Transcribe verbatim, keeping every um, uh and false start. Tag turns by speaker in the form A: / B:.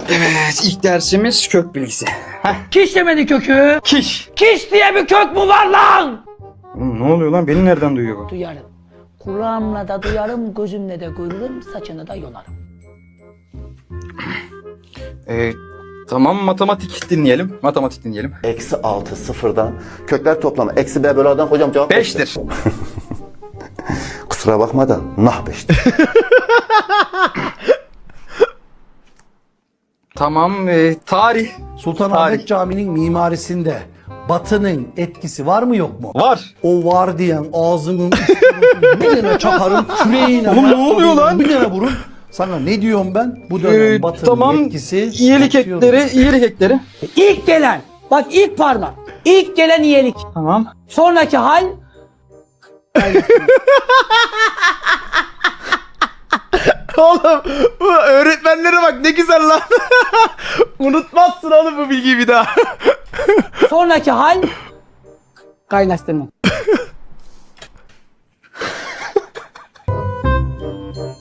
A: Evet, ilk dersimiz kök bilgisi. Heh.
B: Kiş demedi kökü.
A: Kiş.
B: Kiş diye bir kök mü var lan?
A: Oğlum ne oluyor lan? Beni nereden duyuyor bu?
B: Duyarım. Kulağımla da duyarım, gözümle de görürüm, saçını da yolarım.
A: Ee, tamam, matematik dinleyelim. Matematik dinleyelim.
C: Eksi altı sıfırdan kökler toplamı. Eksi b bölü a'dan hocam cevap
A: Beştir.
C: Kusura bakma da nah beştir.
A: Tamam, e, tarih.
D: Sultanahmet
A: Tarih.
D: Camii'nin mimarisinde Batı'nın etkisi var mı yok mu?
A: Var.
D: O var diyen ağzının üstüne bir tane çakarım küreğine.
A: Oğlum ne oluyor lan?
D: Bir tane vurun. Sana ne diyorum ben? Bu dönem
A: Ee,
D: Batı'nın
A: tamam,
D: etkisi.
A: iyilik
D: artıyor.
A: ekleri, iyilik ekleri.
B: İlk gelen, bak ilk parmak. İlk gelen iyilik.
A: Tamam.
B: Sonraki hal...
A: Oğlum bu öğretmenlere bak ne güzel lan. Unutmazsın oğlum bu bilgiyi bir daha.
B: Sonraki hal... Kaynaştırma.